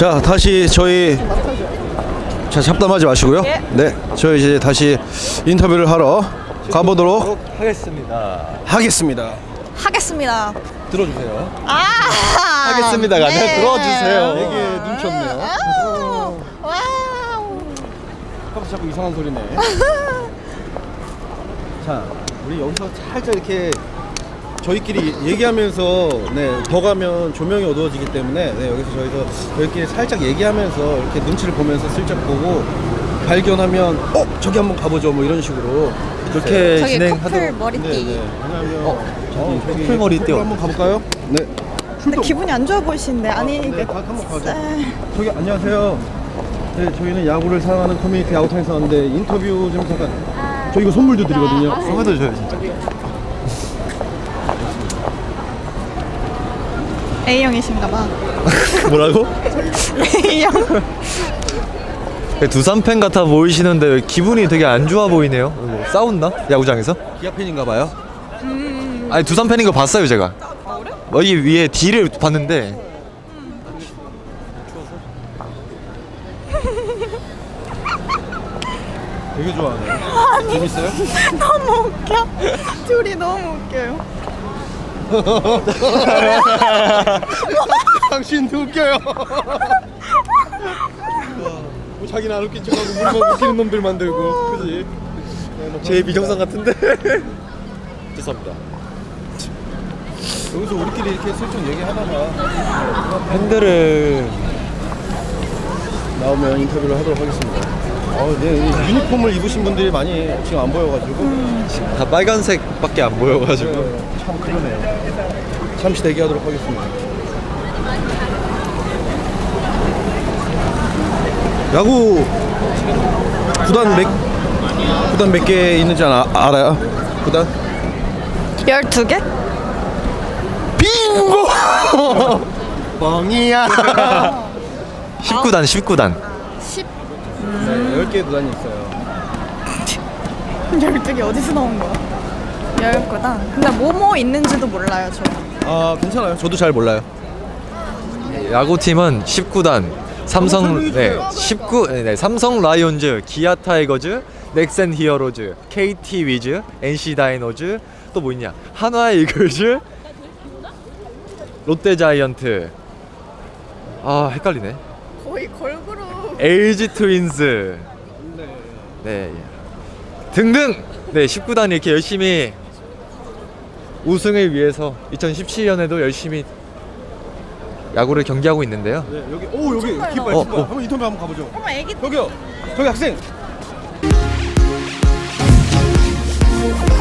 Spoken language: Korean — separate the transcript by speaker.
Speaker 1: 자, 다시 저희 잡담하지 마시고요.
Speaker 2: 예.
Speaker 1: 네, 저희 이제 다시 인터뷰를 하러 가보도록 하겠습니다.
Speaker 2: 하겠습니다.
Speaker 1: 들어주세요.
Speaker 2: 하겠습니다가
Speaker 1: 아니라 들어주세요.
Speaker 2: 네.
Speaker 1: 되게 눈치 없네요.
Speaker 2: 와우.
Speaker 1: 갑자기 자꾸 이상한 소리네. 자, 우리 여기서 살짝 이렇게 저희끼리 얘기하면서 더 가면 조명이 어두워지기 때문에 여기서 저희끼리 살짝 얘기하면서 이렇게 눈치를 보면서 슬쩍 보고 발견하면 저기 한번 가보죠 뭐 이런 식으로
Speaker 3: 그렇게
Speaker 2: 저기 커플
Speaker 3: 진행하도록.
Speaker 2: 머리띠.
Speaker 1: 왜냐면 저기
Speaker 3: 커플 머리띠
Speaker 1: 한번 가볼까요? 네.
Speaker 2: 근데 기분이 안 좋아 보이시는데 아니
Speaker 1: 네, 한번 가죠. 저기 안녕하세요. 네, 저희는 야구를 사랑하는 커뮤니티 야구탕에서 왔는데 인터뷰 좀 잠깐. 저 이거 선물도 드리거든요.
Speaker 3: 선물도 줘요 진짜.
Speaker 2: A형이신가봐.
Speaker 3: 뭐라고?
Speaker 2: A형.
Speaker 3: 두산 팬 같아 보이시는데 기분이 되게 안 좋아 보이네요. 뭐 싸웠나? 야구장에서?
Speaker 1: 기아 팬인가 봐요.
Speaker 3: 아니 두산 팬인 거 봤어요 제가. 여기 위에 D를 봤는데.
Speaker 1: 되게 좋아하네. 재밌어요?
Speaker 2: 너무 웃겨. 둘이 너무 웃겨요.
Speaker 1: 당신도 웃겨요. 뭐 자기는 안 웃긴 척하고 우리만 웃기는 놈들 만들고, 그지?
Speaker 3: 제 비정상 같은데. 죄송합니다.
Speaker 1: 여기서 우리끼리 이렇게 슬쩍 얘기하다가
Speaker 3: 팬들을
Speaker 1: 나오면 인터뷰를 하도록 하겠습니다. 네, 유니폼을 입으신 분들이 많이 지금 안 보여가지고
Speaker 3: 다 빨간색밖에 안 보여가지고.
Speaker 1: 참 그러네요. 잠시 대기하도록 하겠습니다. 야구 구단 몇 개 있는지 알아요? 구단?
Speaker 2: 12개?
Speaker 1: 빙고! 뻥이야.
Speaker 3: 19단 19단.
Speaker 2: 10.
Speaker 1: 네, 10개의 구단이 있어요.
Speaker 2: 12개 어디서 나온 거야? 10개다. 근데 뭐뭐 있는지도 몰라요, 저.
Speaker 1: 아, 괜찮아요. 저도 잘 몰라요.
Speaker 3: 야구팀은 19단. 삼성
Speaker 1: 설명해주세요.
Speaker 3: 19 삼성 라이온즈, 기아 타이거즈, 넥센 히어로즈, KT 위즈, NC 다이노즈, 또 뭐 있냐? 한화 이글즈, 롯데 자이언트. 아, 헷갈리네.
Speaker 2: 거의 걸그룹.
Speaker 3: LG 트윈스. 네. 등등. 네, 19단이 이렇게 열심히 우승을 위해서 2017년에도 열심히 야구를 경기하고 있는데요.
Speaker 1: 네, 여기
Speaker 2: 정말
Speaker 1: 깃발.
Speaker 3: 어.
Speaker 1: 한번 인터뷰 한번 가보죠.
Speaker 2: 어머, 애기.
Speaker 1: 저기요. 저기 학생.